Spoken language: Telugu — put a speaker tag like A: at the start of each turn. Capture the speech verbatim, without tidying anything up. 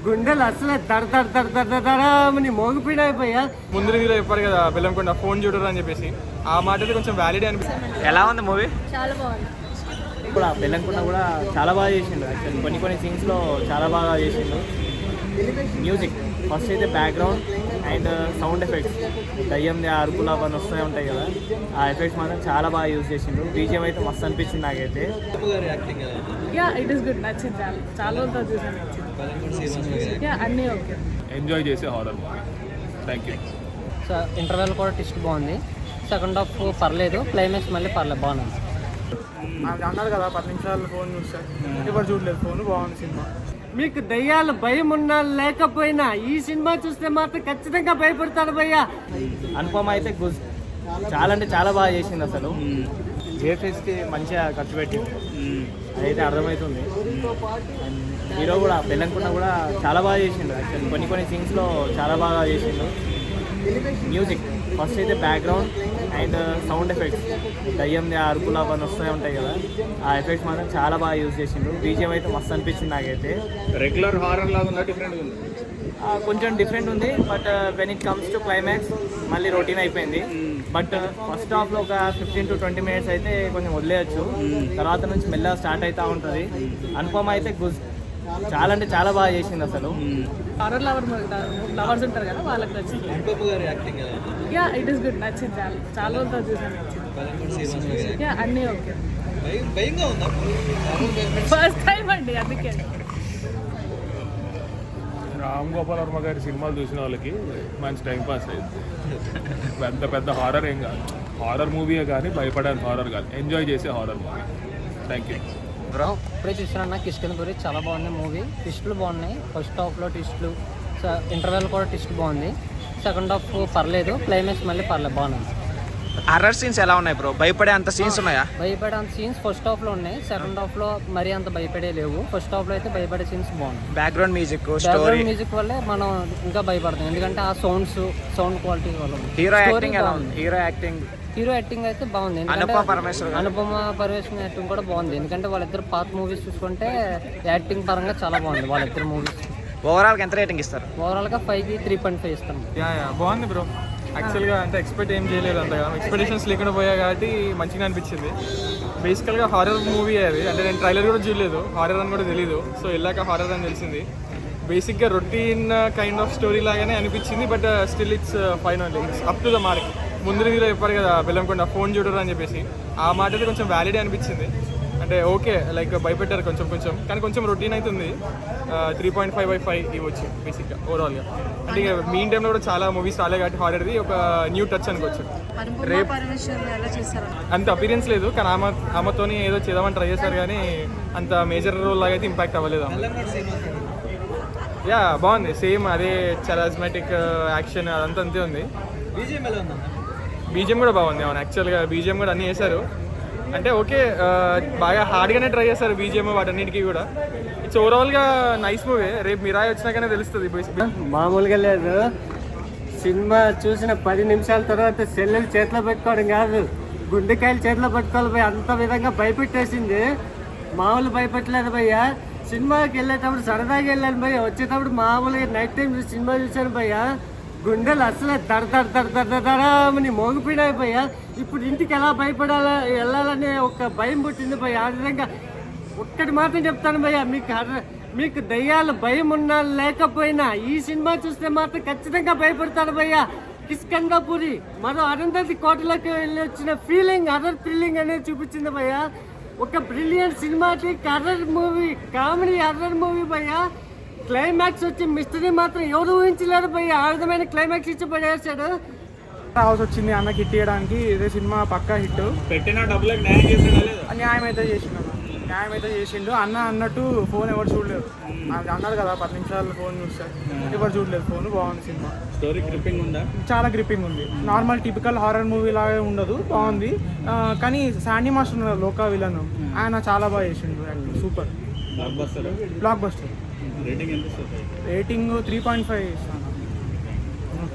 A: గుండెలు అసలు దడ దడ దడ దడ దడమని మోగిపోయినాయి భయ్యా.
B: ముందు రివ్యూలో చెప్పారు కదా బెల్లంకొండ ఫోన్ చూడరు అని చెప్పేసి, ఆ మాట అయితే కొంచెం వ్యాలిడ్ అనిపిస్తుంది.
C: ఎలా ఉంది మూవీ?
D: చాలా బాగుంది.
E: కూడా బెల్లంకొండ కూడా చాలా బాగా చేసిండు. యాక్చువల్లీ కొన్ని కొన్ని సీన్స్లో చాలా బాగా చేసిండు. మ్యూజిక్ ఫస్ట్ అయితే బ్యాక్గ్రౌండ్ అండ్ సౌండ్ ఎఫెక్ట్స్, దయ్యం అరుపులు అవన్నీ వస్తూనే ఉంటాయి కదా, ఆ ఎఫెక్ట్స్ మాత్రం చాలా బాగా యూజ్ చేసిండు. బీజిఎం అయితే మస్తు అనిపించింది నాకైతే.
D: యా ఇట్ ఈస్ గుడ్, నచ్చింది. చాలా చాలా రోజులు చూసాను, నచ్చింది. యా అన్నీ ఓకే,
F: ఎంజాయ్ చేసే horror movie. Thank you.
G: So interval కూడా ట్విస్ట్ బాగుంది. సెకండ్ హాఫ్ పర్లేదు, క్లైమాక్స్ మళ్ళీ పర్లేదు, బాగుంది.
B: అన్నారు కదా పది నిమిషాలు ఫోన్ చూస్తారు, ఎవరు చూడలేదు ఫోన్. బాగుంది సినిమా.
A: మీకు దయ్యాలు భయం ఉన్నా లేకపోయినా ఈ సినిమా చూస్తే మాత్రం ఖచ్చితంగా భయపడతారు భయ్యా.
E: అనుపమ అయితే గుజ్ చాలా అంటే చాలా బాగా చేసింది. అసలు జేఫేస్కి మంచిగా ఖర్చు పెట్టింది, అదైతే అర్థమవుతుంది. హీరో కూడా బెల్లంకొండ కూడా చాలా బాగా చేసిండు. యాక్చువల్లీ కొన్ని కొన్ని సీన్స్లో చాలా బాగా చేసిండు. మ్యూజిక్ ఫస్ట్ అయితే బ్యాక్గ్రౌండ్ అండ్ సౌండ్ ఎఫెక్ట్స్, దయ్యం అరుపులు అవన్నీ వస్తూనే ఉంటాయి కదా, ఆ ఎఫెక్ట్స్ మాత్రం చాలా బాగా యూజ్ చేసిండు. బీజిఎం అయితే మస్తు అనిపించింది నాకైతే.
F: రెగ్యులర్ హారర్ లాగా ఉందా, డిఫరెంట్ ఉంది?
E: కొంచెం డిఫరెంట్ ఉంది, but when it comes to climax మళ్ళీ రొటీన్ అయిపోయింది. బట్ ఫస్ట్ హాఫ్లో ఒక ఫిఫ్టీన్ టు ట్వంటీ మినిట్స్ అయితే కొంచెం వదిలేయచ్చు, తర్వాత నుంచి మెల్లగా స్టార్ట్ అవుతూ ఉంటుంది. అనుపమ అయితే గుజ్ చాలా అంటే చాలా బాగా చేసింది. అసలు
D: హారర్ లవర్ లవర్స్ ఉంటారు కదా, వాళ్ళకి నచ్చింది. యా ఇట్ ఈస్ గుడ్, నచ్చింది. చాలా చాలా రోజులు చూసాను, నచ్చింది. యా అన్నీ ఓకే. ఫస్ట్ టైం అండి, అందుకే.
F: రామ్ గోపాల్ వర్మ గారి సినిమాలు చూసిన వాళ్ళకి మంచి టైం పాస్ అయింది. పెద్ద పెద్ద హారర్ ఏం కాదు, హారర్ మూవీయే కానీ భయపడాలి హారర్ కాదు, ఎంజాయ్ చేసే horror movie. Thank you.
G: Bro ఇప్పుడే చూసినా నాకు కిష్కింద గురించి చాలా బాగుంది మూవీ. ట్విస్టులు బాగున్నాయి, ఫస్ట్ హాఫ్లో ట్విస్టులు, ఇంటర్వెల్ కూడా ట్విస్ట్ బాగుంది. సెకండ్ హాఫ్ పర్లేదు, క్లైమాక్స్ మళ్ళీ పర్లేదు, బాగుంది.
C: హర్రర్ సీన్స్ ఎలా ఉన్నాయి బ్రో? భయపడే అంత సీన్స్ ఉన్నాయా?
G: భయపడే అంత సీన్స్ ఫస్ట్ హాఫ్లో ఉన్నాయి, సెకండ్ హాఫ్లో మరీ అంత భయపడే లేవు. ఫస్ట్ హాఫ్లో అయితే భయపడే సీన్స్ బాగున్నాయి.
C: Background music, story,
G: background music వల్లే మనం ఇంకా భయపడతాం, ఎందుకంటే ఆ సౌండ్స్ సౌండ్ క్వాలిటీ వల్ల.
C: హీరో యాక్టింగ్ ఎలా ఉంది? హీరో యాక్టింగ్
G: హీరో యాక్టింగ్ అయితే బాగుంది.
C: అనుపమ పరమేశ్వర్
G: అనుపమ పరమేశ్వర్ యాక్టింగ్ కూడా బాగుంది, ఎందుకంటే వాళ్ళిద్దరు పాత మూవీస్ చూసుకుంటే యాక్టింగ్ పరంగా చాలా బాగుంది వాళ్ళిద్దరు మూవీస్.
C: ఓవరాల్ ఎంత రేటింగ్ ఇస్తారు?
G: ఓవరాల్గా ఫైవ్కి త్రీ పాయింట్ ఫైవ్ ఇస్తాం.
B: యా యా బాగుంది బ్రో. యాక్చువల్గా అంటే ఎక్స్పెక్ట్ ఏం చేయలేదు అంతగా, ఎక్స్పెక్టేషన్స్ లేకుండా పోయా కాబట్టి మంచిగా అనిపించింది. బేసికల్గా హారర్ మూవీ అది, అంటే నేను ట్రైలర్ కూడా చూడలేదు, హారర్ అని కూడా తెలీదు. సో వెళ్ళాక హారర్ అని తెలిసింది. బేసిక్గా రొటీన్ కైండ్ ఆఫ్ స్టోరీ లాగానే అనిపించింది, but still it's fine only, it's up to the mark. ముందు రివ్యూలో చెప్పారు కదా బెల్లంకొండ ఫోన్ చూడరు అని చెప్పేసి, ఆ మాట అయితే కొంచెం వ్యాలిడ్ అనిపించింది. అంటే ఓకే లైక్ భయపెట్టారు కొంచెం కొంచెం, కానీ కొంచెం రొటీన్ అవుతుంది. Three point five by five ఇవ్వచ్చు బేసిక్గా ఓవరాల్గా. అంటే ఇక మీన్ టైంలో కూడా చాలా మూవీస్ రాలే కాబట్టి హారర్ది ఒక న్యూ టచ్ అనుకోవచ్చు. రేపు అంత అపీరియన్స్ లేదు, కానీ ఆమె ఆమెతోని ఏదో చేద్దామని ట్రై చేశారు, కానీ అంత మేజర్ రోల్ లాగా అయితే ఇంపాక్ట్ అవ్వలేదు. యా బాగుంది, సేమ్ అదే చారిస్మాటిక్ యాక్షన్ అదంతా అంతే ఉంది. బీజిఎం కూడా బాగుంది. అవును యాక్చువల్గా బీజిఎం కూడా అన్నీ చేశారు. అంటే ఓకే బాగా హార్డ్గానే ట్రై చేస్తారు బీజిఎం వాటన్నిటికీ కూడా. ఇట్స్ ఓవరాల్గా నైస్ మూవీ. రేపు మిరాయి వచ్చినాకనే తెలుస్తుంది.
A: మామూలుగా లేదు, సినిమా చూసిన పది నిమిషాల తర్వాత సెల్లులు చేతిలో పెట్టుకోవడం కాదు, గుండెకాయలు చేతిలో పెట్టుకోవాలి భయ్య, అంత విధంగా భయపెట్టేసింది. మామూలు భయపెట్టలేదు భయ్య. సినిమాకి వెళ్ళేటప్పుడు సరదాగా వెళ్ళాను భయ్య, వచ్చేటప్పుడు మామూలుగా నైట్ టైం సినిమా చూశాను భయ్య, గుండెలు అసలు దడ దడ దడ దడ దడమని మోగిపోయినాయి భయ్య. ఇప్పుడు ఇంటికి ఎలా భయపడాలా వెళ్ళాలనే ఒక భయం పుట్టింది భయ్య. ఆ విధంగా ఒక్కటి మాత్రం చెప్తాను భయ్య, మీకు మీకు దయ్యాలు భయం ఉన్నా లేకపోయినా ఈ సినిమా చూస్తే మాత్రం ఖచ్చితంగా భయపడతారు భయ్య. కిష్కింధపురి మరో అరుంధతి కోటలోకి వెళ్ళి వచ్చిన ఫీలింగ్, హర్రర్ ఫీలింగ్ అనేది చూపించింది భయ్య. ఒక brilliant cinematic horror movie, comedy horror movie భయ్య. క్లైమాక్స్ వచ్చి మిస్టరీ మాత్రం ఎవరు ఊహించలేరు భయ్య, ఆ విధమైన క్లైమాక్స్ ఇచ్చి పడేసాడు.
B: హౌస్ వచ్చింది అన్న హిట్ చేయడానికి, ఇదే సినిమా పక్కా హిట్.
F: పెట్టిన డబ్బులకు న్యాయం చేసాడా?
B: న్యాయం అయితే చేసిండు అన్న, న్యాయం అయితే చేసిండు అన్న. అన్నట్టు ఫోన్ ఎవరు చూడలేదు, అన్నారు కదా పది నిమిషాలు ఫోన్ చూస్తారు, ఎవరు చూడలేదు ఫోన్. బాగుంది సినిమా.
F: స్టోరీ గ్రిప్పింగ్ ఉందా?
B: చాలా గ్రిప్పింగ్ ఉంది. నార్మల్ టిపికల్ హారర్ మూవీ లాగా ఉండదు, బాగుంది. కానీ శాండీ మాస్టర్ ఉన్నారు లోకా విలన్, ఆయన చాలా బాగా చేసిండు, super
F: blockbuster.
B: Blockbuster.
F: Rating ఎంత?
B: రేటింగ్ త్రీ పాయింట్ ఫైవ్ ఇస్తాను.